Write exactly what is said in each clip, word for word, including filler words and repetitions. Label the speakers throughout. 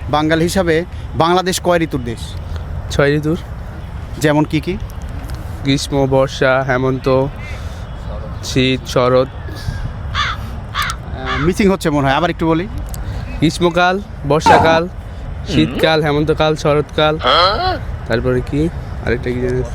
Speaker 1: বাঙালি হিসাবে বাংলাদেশ কয় ঋতুর দেশ?
Speaker 2: ছয় ঋতুর।
Speaker 1: যেমন কি কি?
Speaker 2: গ্রীষ্ম, বর্ষা, হেমন্ত, শীত, শরৎ।
Speaker 1: মিসিং হচ্ছে মনে হয়, আবার একটু বলি।
Speaker 2: গ্রীষ্মকাল, বর্ষাকাল, শীতকাল, হেমন্তকাল, শরৎকাল, তারপরে কি আরেকটা কি জানিস?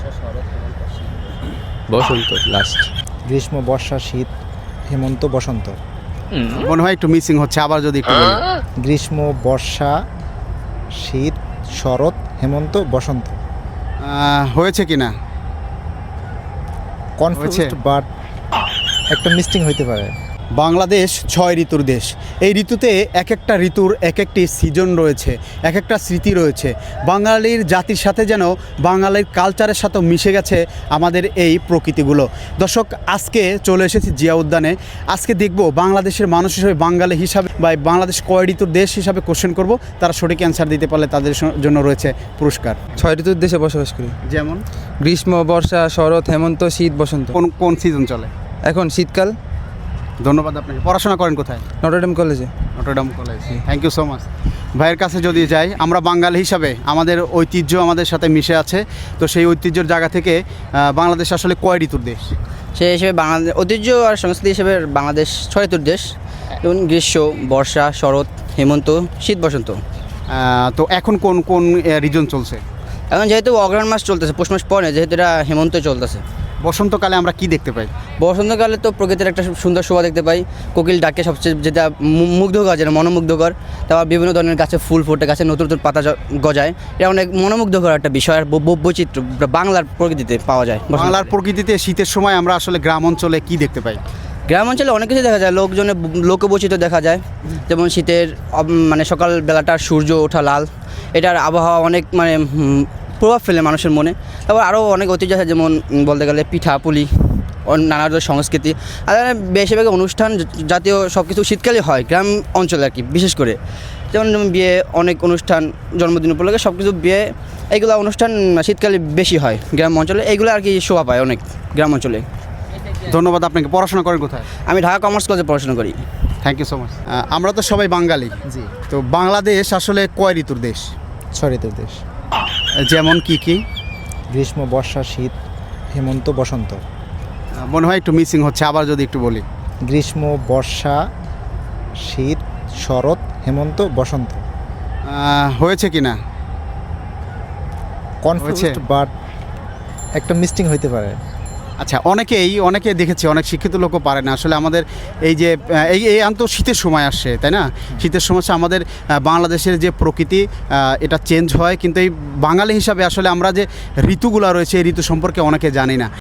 Speaker 2: বসন্ত লাস্ট।
Speaker 3: গ্রীষ্ম, বর্ষা, শীত, হেমন্ত, বসন্ত।
Speaker 1: মনে হয় একটু মিসিং হচ্ছে, আবার যদি একটু বলি।
Speaker 3: গ্রীষ্ম, বর্ষা, শীত, শরৎ, হেমন্ত, বসন্ত।
Speaker 1: আহ, হয়েছে কি না?
Speaker 3: কনফিউজড বাট একটা মিস্টিং হইতে পারে।
Speaker 1: বাংলাদেশ ছয় ঋতুর দেশ। এই ঋতুতে এক একটা ঋতুর এক একটি সিজন রয়েছে, এক একটা স্মৃতি রয়েছে। বাঙালির জাতির সাথে যেন বাঙালির কালচারের সাথেও মিশে গেছে আমাদের এই প্রকৃতিগুলো। দর্শক, আজকে চলে এসেছি জিয়া উদ্যানে। আজকে দেখব বাংলাদেশের মানুষ হিসেবে, বাঙালি হিসাবে বা বাংলাদেশ কয় ঋতুর দেশ হিসাবে কোশ্চেন করব। তারা সঠিক অ্যান্সার দিতে পারলে তাদের জন্য রয়েছে পুরস্কার।
Speaker 4: ছয় ঋতুর দেশে বসবাস করি।
Speaker 1: যেমন
Speaker 4: গ্রীষ্ম, বর্ষা, শরৎ, হেমন্ত, শীত, বসন্ত।
Speaker 1: কোন কোন সিজন চলে?
Speaker 4: এখন শীতকাল।
Speaker 1: ধন্যবাদ আপনাকে। পড়াশোনা করেন কোথায়?
Speaker 4: নটরডেম কলেজে।
Speaker 1: Notre Dame college. Thank you so much. ভাইয়ের কাছে যদি যাই, আমরা বাঙালি হিসাবে আমাদের ঐতিহ্য আমাদের সাথে মিশে আছে। তো সেই ঐতিহ্যের জায়গা থেকে আহ, বাংলাদেশ আসলে কয় ঋতুর দেশ?
Speaker 5: সেই হিসেবে বাংলাদেশ ঐতিহ্য আর সংস্কৃতি হিসেবে বাংলাদেশ ছয় ঋতুর দেশ, যেমন গ্রীষ্ম, বর্ষা, শরৎ, হেমন্ত, শীত, বসন্ত।
Speaker 1: আহ, তো এখন কোন কোন রিজন চলছে?
Speaker 5: এখন যেহেতু অগ্রহায়ণ মাস চলতেছে, পৌষ মাস পরে, যেহেতু এটা হেমন্ত চলতেছে।
Speaker 1: বসন্তকালে আমরা কি দেখতে পাই?
Speaker 5: বসন্তকালে তো প্রকৃতির একটা সুন্দর শোভা দেখতে পাই। কোকিল ডাকে সবচেয়ে যেটা মু- মুগ্ধকর, যেটা মনোমুগ্ধকর। তারপর বিভিন্ন ধরনের গাছে ফুল ফোটে, গাছে নতুন নতুন পাতা জ- গজায়। এটা অনেক মনোমুগ্ধকর একটা বিষয়, আর বৈ- বৈ- বৈচিত্র্য বাংলার প্রকৃতিতে পাওয়া যায়। বসন্তকালে।
Speaker 1: বাংলার প্রকৃতিতে শীতের সময় আমরা আসলে গ্রাম অঞ্চলে কি দেখতে পাই?
Speaker 5: গ্রাম অঞ্চলে অনেক কিছু দেখা যায়, লোকজনের লোকবৈচিত্র্য দেখা যায়। যেমন শীতের অব- মানে সকাল বেলাটার সূর্য ওঠা লাল, এটার আবহাওয়া অনেক মানে হুম, প্রভাব ফেলে মানুষের মনে। তারপর আরও অনেক ঐতিহ্য আছে, যেমন উম, বলতে গেলে পিঠা পুলি, অন- নানা ধরনের সংস্কৃতি। আর বেশিরভাগ অনুষ্ঠান জ- জাতীয় সব কিছু শীতকালে হয় গ্রাম অঞ্চলে আর কি, বিশেষ করে। যেমন যেমন বিয়ে, অনেক অনুষ্ঠান, জন্মদিন উপলক্ষে সব কিছু বিয়ে, এইগুলো অনুষ্ঠান শীতকালে বেশি হয় গ্রাম অঞ্চলে। এইগুলো আর কি শোভা পায় অনেক গ্রাম অঞ্চলে।
Speaker 1: ধন্যবাদ আপনাকে। পড়াশোনা করেন কোথায়?
Speaker 5: আমি ঢাকা কমার্স কলেজে পড়াশোনা করি।
Speaker 1: Thank you so much. আমরা তো সবাই বাঙালি।
Speaker 3: জি,
Speaker 1: তো বাংলাদেশ আসলে কয় ঋতুর দেশ?
Speaker 3: ছয় ঋতুর দেশ।
Speaker 1: যেমন কি কি?
Speaker 3: গ্রীষ্ম, বর্ষা, শীত, হেমন্ত, বসন্ত।
Speaker 1: আহ, মনে হয় একটু মিসিং হচ্ছে, আবার যদি একটু বলি।
Speaker 3: গ্রীষ্ম, বর্ষা, শীত, শরৎ, হেমন্ত, বসন্ত।
Speaker 1: আহ, হয়েছে কি না?
Speaker 3: কনফিউজড বাট একটা মিস্টিং হইতে পারে।
Speaker 1: আচ্ছা, অনেকেই অনেকে দেখেছি, অনেক শিক্ষিত লোকও পারে না আসলে। আমাদের এই যে আহ, এই এই আন্ত শীতের সময় আসছে, তাই না? শীতের সময় আসে আমাদের আহ, বাংলাদেশের যে প্রকৃতি আহ, এটা চেঞ্জ হয়, কিন্তু এই বাঙালি হিসাবে আসলে আমরা যে ঋতুগুলো রয়েছে এই ঋতু সম্পর্কে অনেকে জানি না।